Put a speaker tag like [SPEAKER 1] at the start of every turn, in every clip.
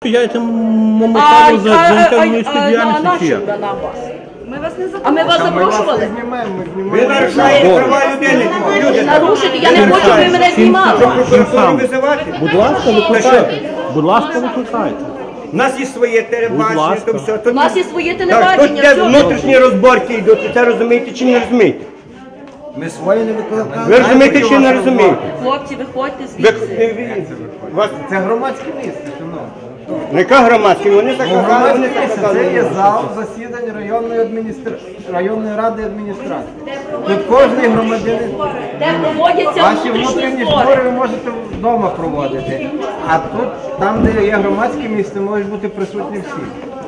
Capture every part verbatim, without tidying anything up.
[SPEAKER 1] Приїжджайте моментально за заняття журналістської діяльності.
[SPEAKER 2] Ми вас не запрошували.
[SPEAKER 3] А ми вас запрошували?
[SPEAKER 4] Ви нарушаєте права людини.
[SPEAKER 3] Нарушити, я не хочу, щоб ви мене знімали.
[SPEAKER 1] Будь ласка, викликайте. Будь ласка, викликайте.
[SPEAKER 4] У нас є своє телебачення, то все.
[SPEAKER 3] У нас є своє
[SPEAKER 4] Так,
[SPEAKER 3] телебачення.
[SPEAKER 4] тут де внутрішні розборки йдуть, це розумієте чи не розумієте?
[SPEAKER 5] Ми свої не викликаємо.
[SPEAKER 4] Ви розумієте чи не розумієте?
[SPEAKER 3] Хлопці, виходьте
[SPEAKER 4] Ви-
[SPEAKER 3] звідси.
[SPEAKER 4] ви- вас-
[SPEAKER 5] Це громадське місце, шановні.
[SPEAKER 4] Яка громадська? Вони заказали, вони
[SPEAKER 5] Громадське місце, це є
[SPEAKER 4] заказали.
[SPEAKER 5] зал засідань районної адміністра... районної ради адміністрації. Тут кожен громадянин.
[SPEAKER 3] Де проводяться
[SPEAKER 5] Ваші
[SPEAKER 3] внутрішні
[SPEAKER 5] внутрішні
[SPEAKER 3] збори.
[SPEAKER 5] збори ви можете вдома проводити. А тут, там, де є громадське місце, можуть бути присутні всі.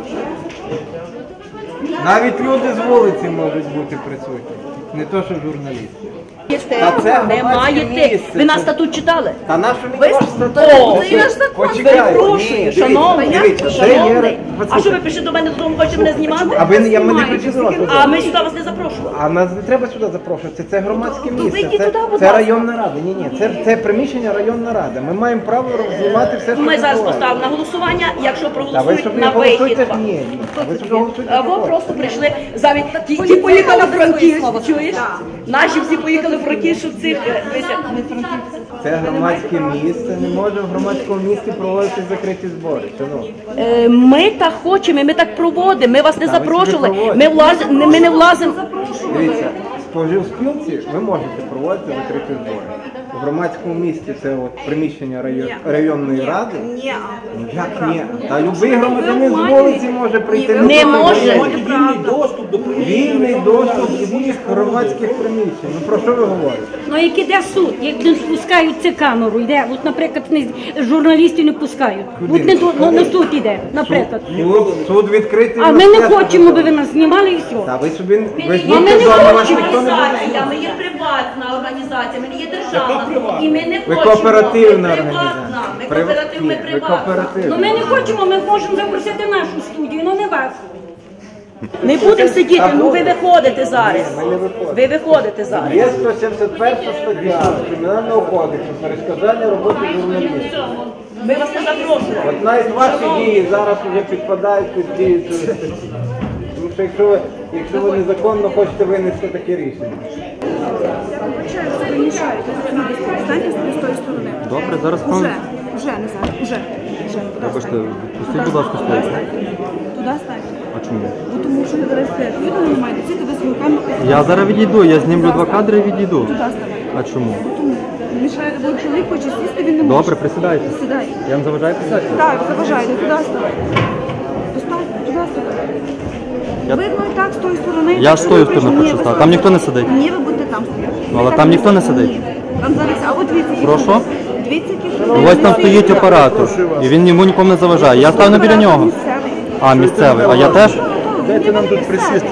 [SPEAKER 5] Навіть люди з вулиці можуть бути присутні. Не то, що журналісти. Та це
[SPEAKER 3] Не
[SPEAKER 5] громадське
[SPEAKER 3] маєте.
[SPEAKER 5] місце.
[SPEAKER 3] Ви наш статут читали?
[SPEAKER 5] Та нащо
[SPEAKER 3] Ви-
[SPEAKER 5] мені ваш статут?
[SPEAKER 3] О,
[SPEAKER 2] це наш закон.
[SPEAKER 5] Почекайте.
[SPEAKER 3] Перепрошую,
[SPEAKER 5] Ні,
[SPEAKER 3] шановний,
[SPEAKER 5] дивіться, це є-
[SPEAKER 3] шановний. А
[SPEAKER 5] послухайте.
[SPEAKER 3] що ви пишете до мене додому, хочете мене знімати?
[SPEAKER 5] А ви не я мене прийшли до вас.
[SPEAKER 3] А ми сюди вас не запрошували.
[SPEAKER 5] А нас не треба сюди запрошувати. Це громадське місце.
[SPEAKER 3] вийдіть
[SPEAKER 5] Це,
[SPEAKER 3] туди, будь
[SPEAKER 5] це
[SPEAKER 3] ласка.
[SPEAKER 5] районна рада. Ні, ні, це, це приміщення районна рада. Ми маємо право знімати все, що
[SPEAKER 3] Ми зараз
[SPEAKER 5] відбувається.
[SPEAKER 3] поставимо на голосування, якщо
[SPEAKER 5] Та ви
[SPEAKER 3] проголосують
[SPEAKER 5] собі
[SPEAKER 3] на вихід.
[SPEAKER 5] голосуйте. Ні, ні. Ви собі голосуйте.
[SPEAKER 3] Або
[SPEAKER 5] такого.
[SPEAKER 3] просто прийшли замість ті, ті поїхали в Франківськ, чуєш? Наші всі поїхали в Франківськ, щоб цих е, дивися.
[SPEAKER 5] Це громадське місце. Не може в громадському місці проводити закриті збори. Шановні.
[SPEAKER 3] Е, Ми так хочемо, ми так проводимо, ми вас не
[SPEAKER 5] Та ви собі
[SPEAKER 3] запрошували,
[SPEAKER 5] проводите.
[SPEAKER 3] ми, влаз... ми не влазимо.
[SPEAKER 5] Дивіться, в споживспілці ви можете проводити закриті збори. В громадському місці це от приміщення район- районної ради.
[SPEAKER 2] Ні.
[SPEAKER 5] Ну, як ні? Та любий громадянин з вулиці може прийти.
[SPEAKER 3] Не
[SPEAKER 5] Ну,
[SPEAKER 3] може.
[SPEAKER 1] Вільний доступ до
[SPEAKER 5] Вільний доступ до будь-яких громадських приміщень. Ну про що ви говорите?
[SPEAKER 6] Ну як іде суд, як не спускають цю камеру, йде, от, наприклад, не, журналістів не пускають. От не до- ну, на суд іде, наприклад.
[SPEAKER 5] Суд, суд відкритий.
[SPEAKER 6] А
[SPEAKER 5] на
[SPEAKER 6] ми не
[SPEAKER 5] все,
[SPEAKER 6] хочемо,
[SPEAKER 5] що
[SPEAKER 6] би ви нас знімали і все.
[SPEAKER 5] Та ви собі ви ж
[SPEAKER 3] Ми
[SPEAKER 5] будьте
[SPEAKER 3] не
[SPEAKER 5] вдома, вас
[SPEAKER 3] хочемо
[SPEAKER 5] ніхто не буде.
[SPEAKER 3] організація, ми є приватна організація, ми не є державна. І ми не
[SPEAKER 5] Ви
[SPEAKER 3] хочемо.
[SPEAKER 5] кооперативна
[SPEAKER 3] Ми
[SPEAKER 5] організація.
[SPEAKER 3] приватна, ми
[SPEAKER 5] Прив-
[SPEAKER 3] кооператив, ми
[SPEAKER 5] Ні, ви
[SPEAKER 3] приватна.
[SPEAKER 5] кооперативна.
[SPEAKER 6] Ну ми не хочемо, ми можемо запросити нашу студію, ну не вас.
[SPEAKER 3] Не будемо сидіти, ну ви виходите зараз.
[SPEAKER 5] Ми не виходимо.
[SPEAKER 3] Ви виходите зараз.
[SPEAKER 5] Є сто сімдесят перша стаття Кримінального кодексу перешкоджання роботи журналістів.
[SPEAKER 3] Ми вас не запрошували.
[SPEAKER 5] От навіть ваші дії зараз вже підпадають під дію цієї статті. Тому що якщо ви, якщо ви незаконно хочете винести таке рішення.
[SPEAKER 2] Станьте з тої сторони.
[SPEAKER 7] Добре, зараз
[SPEAKER 2] Уже,
[SPEAKER 7] вам...
[SPEAKER 2] уже, не зараз, уже, вже.
[SPEAKER 7] Вибачте, пустіть, будь ласка, стоїть.
[SPEAKER 2] Туди ставте.
[SPEAKER 7] А чому?
[SPEAKER 2] Бо тому що ви зараз стоїте. Ви не маєте сіти, ви свою камеру.
[SPEAKER 7] Я зараз відійду, я знімлю два кадри і відійду.
[SPEAKER 2] Туди ставте.
[SPEAKER 7] А чому?
[SPEAKER 2] Тому мішає, бо чоловік хоче сісти, він не може.
[SPEAKER 7] Добре, присідайте.
[SPEAKER 2] Сідай.
[SPEAKER 7] Я вам заважаю писати?
[SPEAKER 2] Так, заважайте, туди ставте. Поставте, туди ставте.
[SPEAKER 7] Я-
[SPEAKER 2] Видно і так, з тої сторони.
[SPEAKER 7] Я ж з тої сторони
[SPEAKER 2] Ні,
[SPEAKER 7] хочу
[SPEAKER 2] ви
[SPEAKER 7] стати.
[SPEAKER 2] з
[SPEAKER 7] Там
[SPEAKER 2] тої
[SPEAKER 7] ніхто не
[SPEAKER 2] сторони.
[SPEAKER 7] сидить.
[SPEAKER 2] Ні, ви будете там стояти.
[SPEAKER 7] Ну, але
[SPEAKER 2] Ви
[SPEAKER 7] там ніхто не сидить.
[SPEAKER 2] Ні. Там зараз, а от дивіться, які
[SPEAKER 7] Прошу?
[SPEAKER 2] люди. Дивіться, які
[SPEAKER 7] Ну,
[SPEAKER 2] люди.
[SPEAKER 7] ось там стоїть оператор, і він йому нікому не заважає. Я ставлю біля нього.
[SPEAKER 2] Місцевий.
[SPEAKER 7] А, місцевий. А я теж?
[SPEAKER 5] Дайте нам тут присісти.